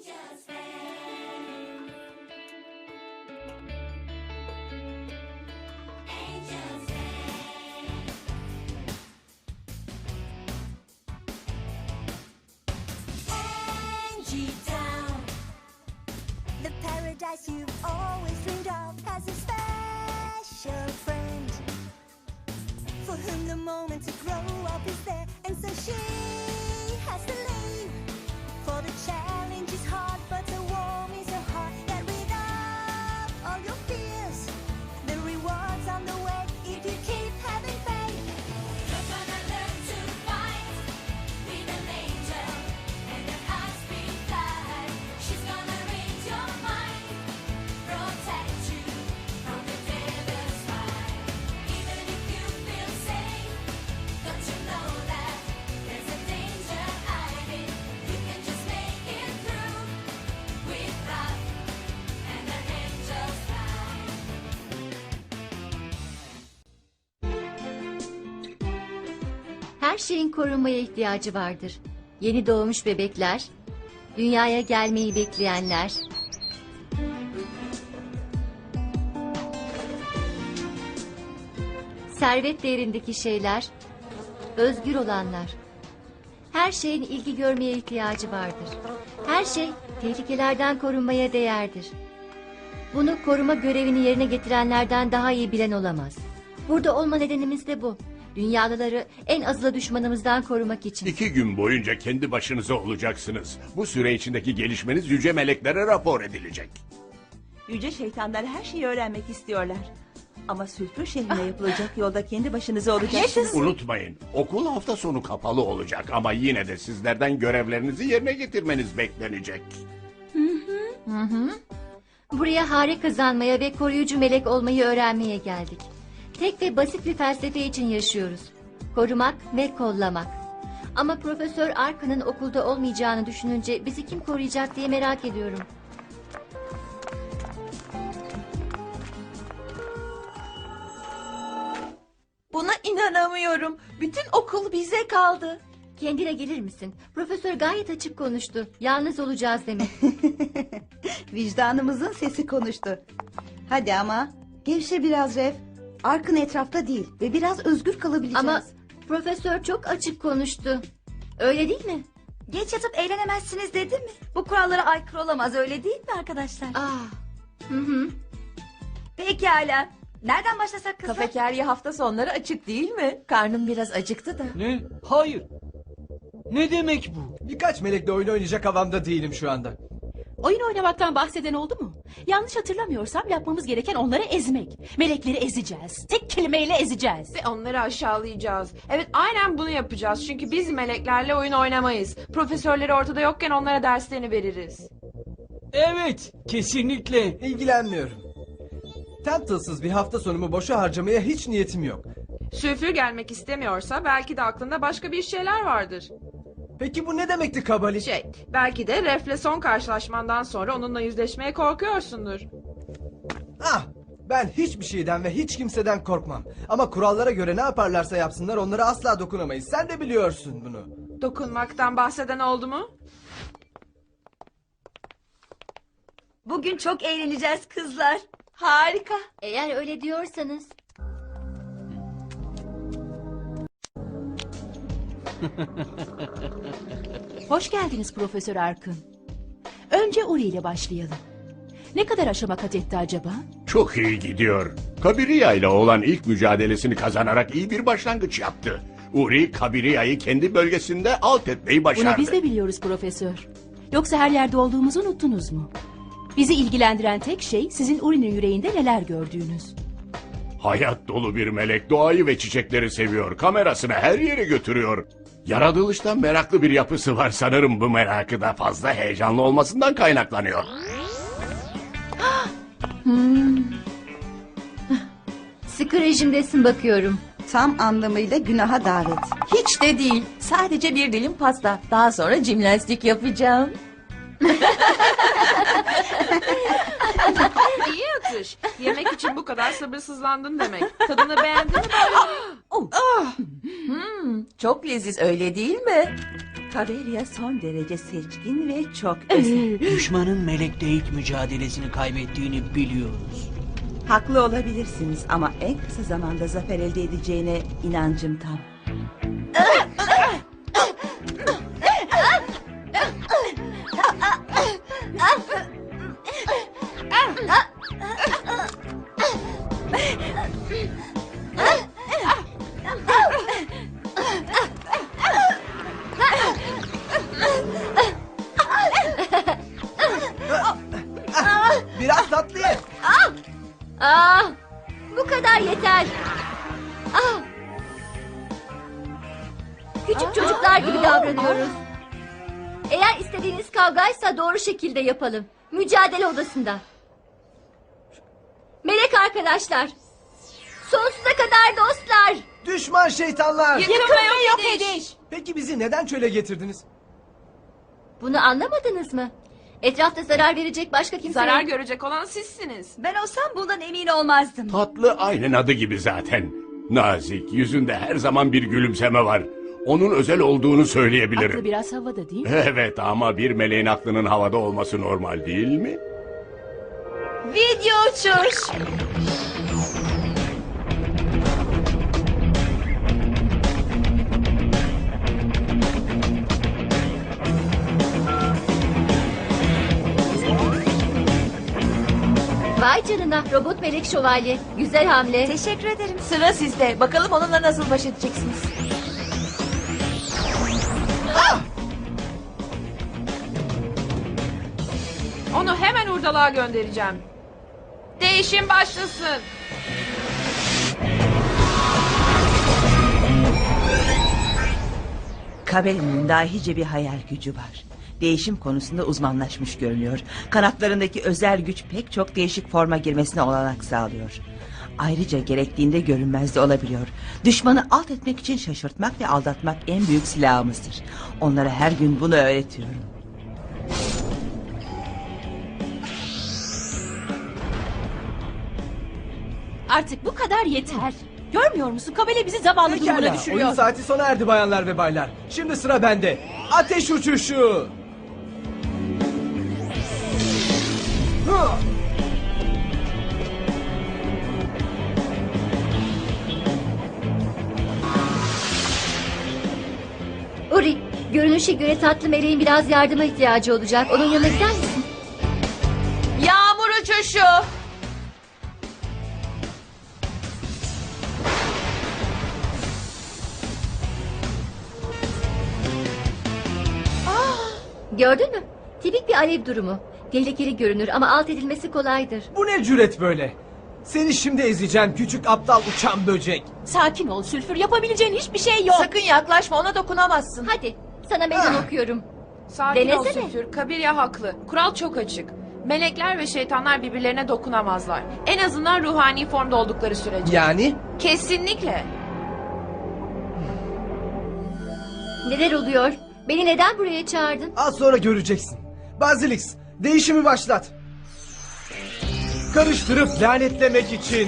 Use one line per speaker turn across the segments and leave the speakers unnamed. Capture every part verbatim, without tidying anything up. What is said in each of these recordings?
Angel's fan. Angel's fan. Angie Town.
The paradise you've always dreamed of has a special friend for whom the moment to grow up is there, and so she has to leave. For the challenge is hard, but the warm is her heart. Get rid of all your fears. The rewards on the way if you keep having faith.
You're gonna learn to fight with an angel and her heart's beat fly. She's gonna read your mind, protect you from the devil's fire. Even if you feel safe, don't you know that there's a danger hiding? You can just make it through with love and an angel's fly.
Her şeyin korunmaya ihtiyacı vardır. Yeni doğmuş bebekler, dünyaya gelmeyi bekleyenler, servet değerindeki şeyler, özgür olanlar. Her şeyin ilgi görmeye ihtiyacı vardır. Her şey tehlikelerden korunmaya değerdir. Bunu koruma görevini yerine getirenlerden daha iyi bilen olamaz. Burada olma nedenimiz de bu. Dünyalıları en azılı düşmanımızdan korumak için.
İki gün boyunca kendi başınıza olacaksınız. Bu süre içindeki gelişmeniz yüce meleklere rapor edilecek.
Yüce şeytanlar her şeyi öğrenmek istiyorlar. Ama Sülfür şehrine yapılacak yolda kendi başınıza olacaksınız.
Unutmayın, okul hafta sonu kapalı olacak ama yine de sizlerden görevlerinizi yerine getirmeniz beklenecek.
Buraya hare kazanmaya ve koruyucu melek olmayı öğrenmeye geldik. Tek ve basit bir felsefe için yaşıyoruz. Korumak ve kollamak. Ama Profesör Arka'nın okulda olmayacağını düşününce bizi kim koruyacak diye merak ediyorum.
Buna inanamıyorum. Bütün okul bize kaldı.
Kendine gelir misin? Profesör gayet açık konuştu. Yalnız olacağız demek.
Vicdanımızın sesi konuştu. Hadi ama gevşe biraz Ref. Arkın etrafta değil ve biraz özgür kalabileceğiz.
Ama profesör çok açık konuştu. Öyle değil mi?
Geç yatıp eğlenemezsiniz dedim mi? Bu kurallara aykırı olamaz, öyle değil mi arkadaşlar?
Ah. Hı hı.
Pekala. Nereden başlasak kızlar?
Kafeterya hafta sonları açık değil mi? Karnım biraz acıktı da.
Ne? Hayır. Ne demek bu?
Birkaç melekle oyun oynayacak havamda değilim şu anda.
Oyun oynamaktan bahseden oldu mu? Yanlış hatırlamıyorsam yapmamız gereken onları ezmek. Melekleri ezeceğiz. Tek kelimeyle ezeceğiz.
Ve onları aşağılayacağız. Evet, aynen bunu yapacağız. Çünkü biz meleklerle oyun oynamayız. Profesörleri ortada yokken onlara derslerini veririz.
Evet, kesinlikle.
İlgilenmiyorum. Temple'sız bir hafta sonumu boşa harcamaya hiç niyetim yok.
Sülfür gelmek istemiyorsa belki de aklında başka bir şeyler vardır.
Peki bu ne demekti Kabali?
Şey, belki de Ref'le son karşılaşmandan sonra onunla yüzleşmeye korkuyorsundur.
Ah! Ben hiçbir şeyden ve hiç kimseden korkmam. Ama kurallara göre ne yaparlarsa yapsınlar onlara asla dokunamayız. Sen de biliyorsun bunu.
Dokunmaktan bahseden oldu mu?
Bugün çok eğleneceğiz kızlar.
Harika.
Eğer öyle diyorsanız.
Hoş geldiniz Profesör Arkın. Önce Uri ile başlayalım. Ne kadar aşama kat etti acaba?
Çok iyi gidiyor. Kabiriya ile olan ilk mücadelesini kazanarak iyi bir başlangıç yaptı. Uri, Kabiriya'yı kendi bölgesinde alt etmeyi başardı.
Bunu biz de biliyoruz Profesör. Yoksa her yerde olduğumuzu unuttunuz mu? Bizi ilgilendiren tek şey sizin Uri'nin yüreğinde neler gördüğünüz.
Hayat dolu bir melek, doğayı ve çiçekleri seviyor. Kamerasını her yere götürüyor. Yaratılıştan meraklı bir yapısı var, sanırım bu merakı da fazla heyecanlı olmasından kaynaklanıyor.
Sıkı rejimdesin bakıyorum.
Tam anlamıyla günaha davet.
Hiç de değil. Sadece bir dilim pasta. Daha sonra jimnastik yapacağım.
İyi atış. Yemek için bu kadar sabırsızlandın demek. Tadını beğendin mi böyle?
Oh. Hmm, çok leziz öyle değil mi? Kaveria son derece seçkin ve çok özel.
Düşmanın melekte ilk mücadelesini kaybettiğini biliyoruz.
Haklı olabilirsiniz ama en kısa zamanda zafer elde edeceğine inancım tam.
Biraz tatlı ye.
Aa, bu kadar yeter. Ah. Küçük çocuklar gibi davranıyoruz. Eğer istediğiniz kavgaysa doğru şekilde yapalım. Mücadele odasında. Melek arkadaşlar. Sonsuza kadar dostlar.
Düşman şeytanlar.
Yıkım ve yok ediş.
Peki bizi neden çöle getirdiniz?
Bunu anlamadınız mı? Etrafta zarar verecek başka kimse
Zarar
yok.
görecek olan sizsiniz.
Ben olsam bundan emin olmazdım.
Tatlı aynen adı gibi zaten. Nazik, yüzünde her zaman bir gülümseme var. Onun özel olduğunu söyleyebilirim.
Aklı biraz havada değil mi?
Evet ama bir meleğin aklının havada olması normal değil mi?
Video uçuş.
Vay canına, robot melek şövalye. Güzel hamle.
Teşekkür ederim.
Sıra sizde. Bakalım onunla nasıl baş edeceksiniz. Onu hemen hurdalığa göndereceğim. Değişim başlasın.
Kaveria'nın dahice bir hayal gücü var. Değişim konusunda uzmanlaşmış görünüyor. Kanatlarındaki özel güç pek çok değişik forma girmesine olanak sağlıyor. Ayrıca gerektiğinde görünmez de olabiliyor. Düşmanı alt etmek için şaşırtmak ve aldatmak en büyük silahımızdır. Onlara her gün bunu öğretiyorum.
Artık bu kadar yeter. Görmüyor musun? Kabele bizi zavallı durumuna
Pekala,
düşürüyor.
oyun saati sona erdi bayanlar ve baylar. Şimdi sıra bende. Ateş uçuşu. Hı!
Uri, görünüşe göre tatlı meleğin biraz yardıma ihtiyacı olacak. Onun yanına gider misin?
Yağmur uçuşu.
Gördün mü? Tipik bir alev durumu. Tehlikeli görünür ama alt edilmesi kolaydır.
Bu ne cüret böyle? Seni şimdi ezeceğim küçük aptal uçan böcek.
Sakin ol Sülfür. Yapabileceğin hiçbir şey yok.
Sakın yaklaşma, ona dokunamazsın.
Hadi, sana meydan
Ah.
okuyorum.
Sakin ol
Denesene.
Sülfür. Kabiria haklı. Kural çok açık. Melekler ve şeytanlar birbirlerine dokunamazlar. En azından ruhani formda oldukları sürece.
Yani?
Kesinlikle.
Neler oluyor? Beni neden buraya çağırdın?
Az sonra göreceksin. Bazilix, değişimi başlat. Karıştırıp lanetlemek için.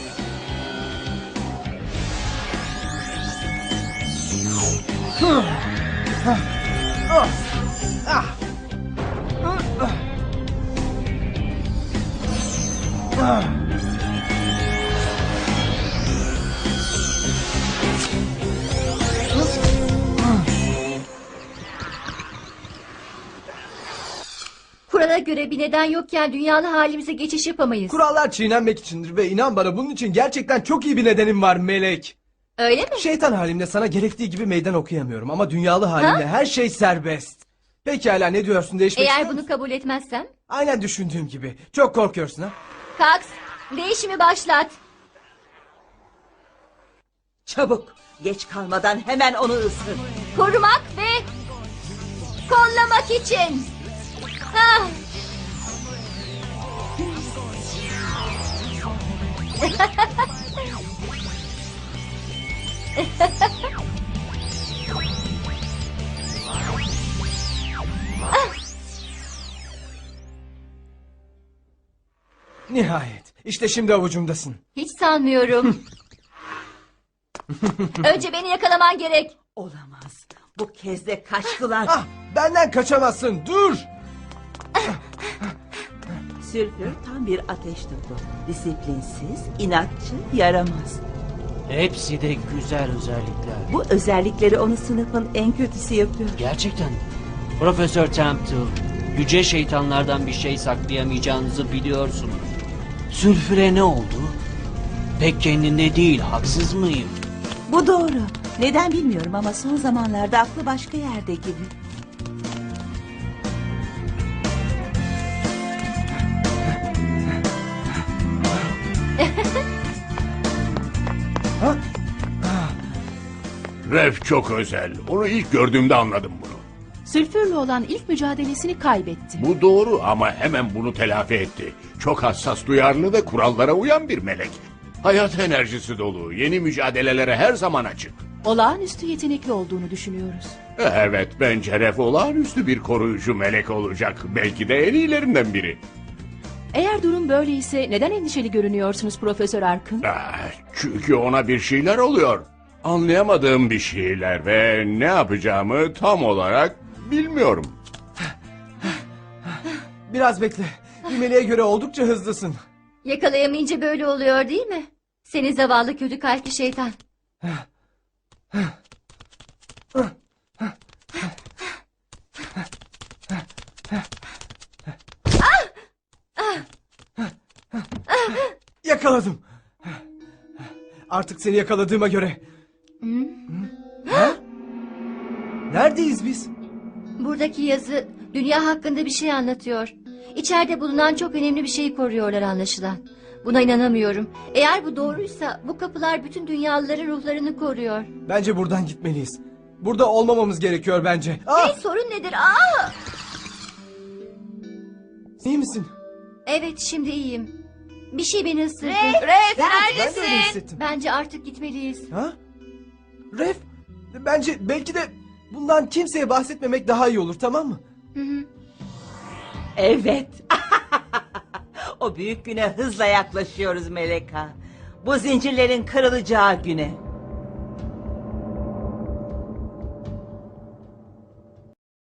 Hı. Hah. Ah. Ah. Ah. Ah.
Kurala göre bir neden yokken dünyalı halimize geçiş yapamayız.
Kurallar çiğnenmek içindir ve inan bana bunun için gerçekten çok iyi bir nedenim var Melek.
Öyle mi?
Şeytan halimle sana gerektiği gibi meydan okuyamıyorum ama dünyalı halimle her şey serbest. Pekala ne diyorsun değişmek
Eğer
ister
bunu
misin?
kabul etmezsem?
Aynen düşündüğüm gibi. Çok korkuyorsun ha?
Kax, değişimi başlat.
Çabuk, geç kalmadan hemen onu ısır.
Korumak ve kollamak için. Ah.
Nihayet. İşte şimdi avucumdasın.
Hiç sanmıyorum. Önce beni yakalaman gerek.
Olamaz. Bu kez de kaçtılar.
Ah, benden kaçamazsın. Dur.
Sülfür tam bir ateş topu. Disiplinsiz, inatçı, yaramaz.
Hepsi de güzel özellikler.
Bu özellikleri onu sınıfın en kötüsü yapıyor.
Gerçekten. Profesör Temple, yüce şeytanlardan bir şey saklayamayacağınızı biliyorsunuz. Sülfüre ne oldu? Pek kendinde değil, haksız mıyım?
Bu doğru. Neden bilmiyorum ama son zamanlarda aklı başka yerde gibi.
Ref çok özel. Onu ilk gördüğümde anladım bunu.
Sülfürle olan ilk mücadelesini kaybetti.
Bu doğru ama hemen bunu telafi etti. Çok hassas, duyarlı ve kurallara uyan bir melek. Hayat enerjisi dolu, yeni mücadelelere her zaman açık.
Olağanüstü yetenekli olduğunu düşünüyoruz.
Evet, bence Ref olağanüstü bir koruyucu melek olacak. Belki de en iyilerinden biri.
Eğer durum böyleyse neden endişeli görünüyorsunuz Profesör Arkın?
Ah, çünkü ona bir şeyler oluyor. Anlayamadığım bir şeyler ve ne yapacağımı tam olarak bilmiyorum.
Biraz bekle. Bir meleğe göre oldukça hızlısın.
Yakalayamayınca böyle oluyor değil mi? Seni zavallı kötü kalpli şeytan.
Yakaladım. Artık seni yakaladığıma göre. Ha? Neredeyiz biz?
Buradaki yazı dünya hakkında bir şey anlatıyor. İçeride bulunan çok önemli bir şeyi koruyorlar anlaşılan. Buna inanamıyorum. Eğer bu doğruysa bu kapılar bütün dünyalıların ruhlarını koruyor.
Bence buradan gitmeliyiz. Burada olmamamız gerekiyor bence. Ah!
Hey, sorun nedir? Aa!
İyi misin?
Evet, şimdi iyiyim. Bir şey beni ısırdı.
Ref
Ben de öyle
neredesin?
hissettim.
Bence artık gitmeliyiz.
Ha? Ref, bence belki de bundan kimseye bahsetmemek daha iyi olur, tamam mı?
Hı hı.
Evet. O büyük güne hızla yaklaşıyoruz Meleka. Bu zincirlerin kırılacağı güne.